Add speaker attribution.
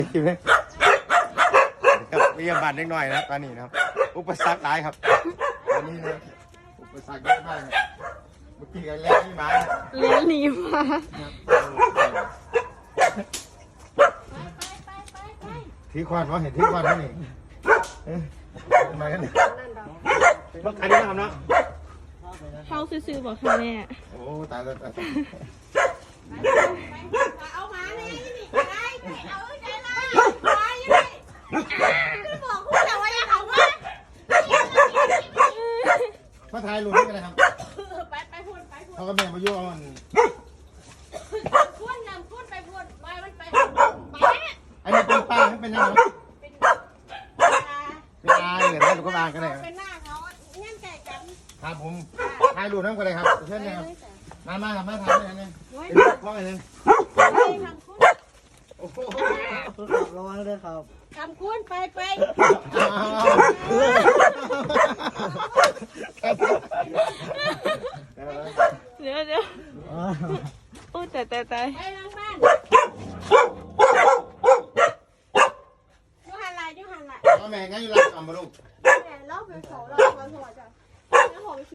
Speaker 1: คิวเลยครับเรียมบานเล็กน้อยนะตอนนี้นะครับอุปสรรคหลายครับตอนนี้นะอุปสรรคเยอะมากครับเมื่อกี้กันแรกนี่มา
Speaker 2: เลี้ยงหนีมา
Speaker 1: ถือควานเพราะเห็นถือควานเพราะนี่ทำไมกันเนี่ยรถคันนี้นะครับเนาะ
Speaker 2: เข้าซื้อๆบอกค่ะแม่
Speaker 1: โอ้ตายแล้วตาย
Speaker 3: เอามาเนี่ยนี่ไปเอาใจละไปยังคือบอกคุณแต่ว่าอย่าเขาว่า
Speaker 1: มาถ่ายรูปนี่กันเลยครับ
Speaker 3: ไปพูด
Speaker 1: เขาก็แม่มายุ่งมัน
Speaker 3: พูดนำพูดไปพูดไปมันไปไป
Speaker 1: อันนี้เป็นป้าไม่เป็นยังไงเป็นอาเหลือได้ลูกก็บานกันเลย
Speaker 3: เป็นหน้าเขาเงี้ยแต่กัน
Speaker 1: ครับผมถ่ายรูปนั่งกันเลยครับเชิญนะครับมาครับมาถ่ายเลยนะเป็นกล้องอะไรนึงโอ้โห
Speaker 4: ระวังด้วยครับ
Speaker 3: คำคุณไป
Speaker 2: เดี๋ยวโอ้แต่
Speaker 3: ไปทางบ้านยูหันไหล
Speaker 1: แม่งั้นอยู่ร้านทำมาลูก
Speaker 3: แม่เล่าไปสองเราขอโทษจ้ะ